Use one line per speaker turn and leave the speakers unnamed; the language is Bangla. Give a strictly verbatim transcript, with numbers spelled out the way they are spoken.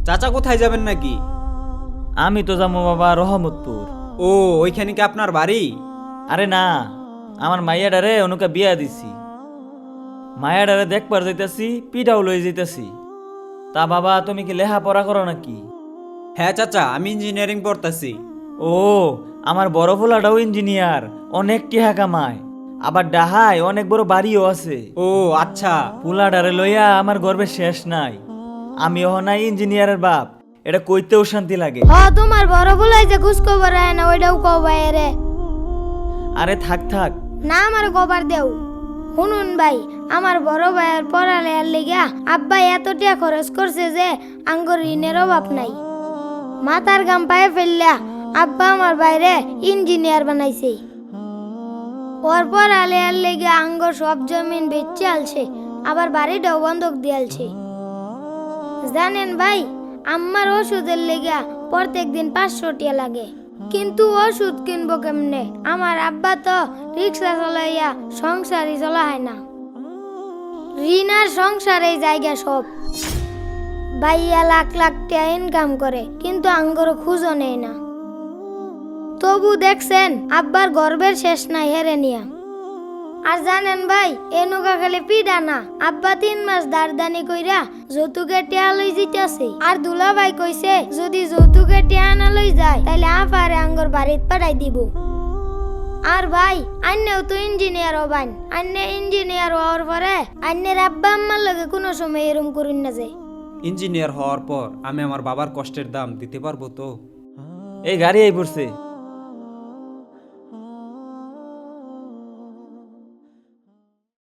চাচা কোথায় যাবেন নাকি?
আমি তো যাবো বাবা রহমতপুর।
ও, ওইখানে কি আপনার বাড়ি?
আরে না, আমার মাইয়াডারে অনুকা বিয়া দিছি। মায়াডারে দেখবার যাইতাছি, পিঠাও লই যাইতাছি। তা বাবা তুমি কি লেহা পড়া করো নাকি?
হ্যাঁ চাচা, আমি ইঞ্জিনিয়ারিং পড়তাছি।
ও, আমার বড় পোলাটাও ইঞ্জিনিয়ার, অনেক টিহা কামায়, আবার ডাহায় অনেক বড় বাড়িও আছে।
ও আচ্ছা।
পোলাডারে লইয়া আমার গর্বের শেষ নাই। আমি নাই ইঞ্জিনিয়ারের বাপ, এটা কইতেও শান্তি লাগে।
হ তোমার বড় বলাই যে ঘুষ খবর আয় না ওইটাও কবাই রে।
আরে থাক থাক।
না আমার কবার দেও। শুনুন ভাই, আমার বড় ভাইয়ের পড়ালেয়ার লিগা আব্বা এত টাকা খরচ করছে যে আঙ্গুর ঋণের অভাব নাই। মাথার গাম পায়ে ফেললা আব্বা আমার বাইরে ইঞ্জিনিয়ার বানাইছে। ওর পড়ালেয়ার লিগা আঙ্গুর সব জমিন বেচে আলছে, আবার বাড়িটাও বন্ধক দিয়ালছে। জানেন ভাই, আমার ওষুধের লেগা প্রত্যেক দিন পাঁচশো টাকা লাগে, কিন্তু ওষুধ কিনবো কেমনে? আমার আব্বা তো রিক্সা চলাইয়া সংসারই চলা হয় না। ঋণ আর সংসারে জায়গা সব। ভাইয়া লাখ লাখ টাকা ইনকাম করে, কিন্তু আঙ্গর খুঁজো নেই না। তবু দেখছেন আব্বার গর্বের শেষ নাই হেরে নিয়া। আর জানেন ভাই, এনুকা খালি পিডা না, আব্বা তিন মাস দারদানি কইরা যৌতুকের টিয়া লই জিতাছে। আর দুলা ভাই কইছে যদি যৌতুকের টিয়া না লই যায় তাইলে আফারে আঙ্গর বাড়িত পাঠাই দিব। আর ভাই, আন্নেও তো ইঞ্জিনিয়ার হবান, আন্নে ইঞ্জিনিয়ার হওয়ার পরে আন্নের আব্বা আম্মার লগে কোনো সময় এরম করুন না যায়।
ইঞ্জিনিয়ার হওয়ার পর আমি আমার বাবার কষ্টের দাম দিতে পারবো তো?
এই গাড়ি এই পড়ছে।